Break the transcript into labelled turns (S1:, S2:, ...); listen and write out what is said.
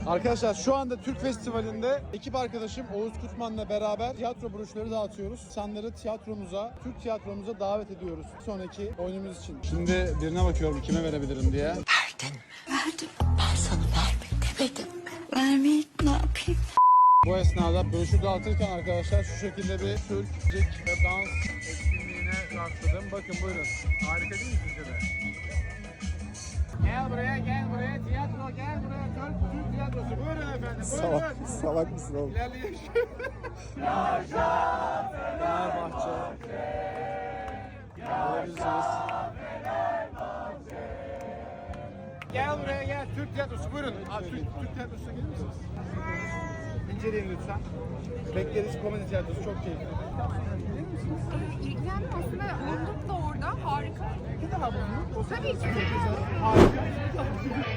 S1: Arkadaşlar şu anda Türk Festivali'nde ekip arkadaşım Oğuz Kutman'la beraber tiyatro broşürleri dağıtıyoruz. İnsanları tiyatromuza, Türk tiyatromuza davet ediyoruz sonraki oyunumuz için. Şimdi birine bakıyorum kime verebilirim diye.
S2: Verdin mi? Verdim. Ben sana verme demedim mi? Vermeyi ne yapayım?
S1: Bu esnada broşür dağıtırken arkadaşlar şu şekilde bir Türk müzik ve dans etkinliğine rastladım. Bakın buyurun. Harika değil mi sizce de? Gel buraya, tiyatro, gel buraya. Türk tiyatrosu. Buyurun efendim, buyurun.
S3: Salak mısın oğlum?
S1: İlerleyin. Fenerbahçe. Gelebilirsiniz. Gel buraya gel. Türk tiyatrosu buyurun. Abi, Türk tiyatrosuna gelir misiniz? İnceleyin lütfen. Bekleriz komedi tiyatrosu çok keyifli.
S4: İlgilendim aslında. Olduk da orada. Harika.
S1: Bir daha bulunduk.
S4: Tabii ki.
S1: Harika.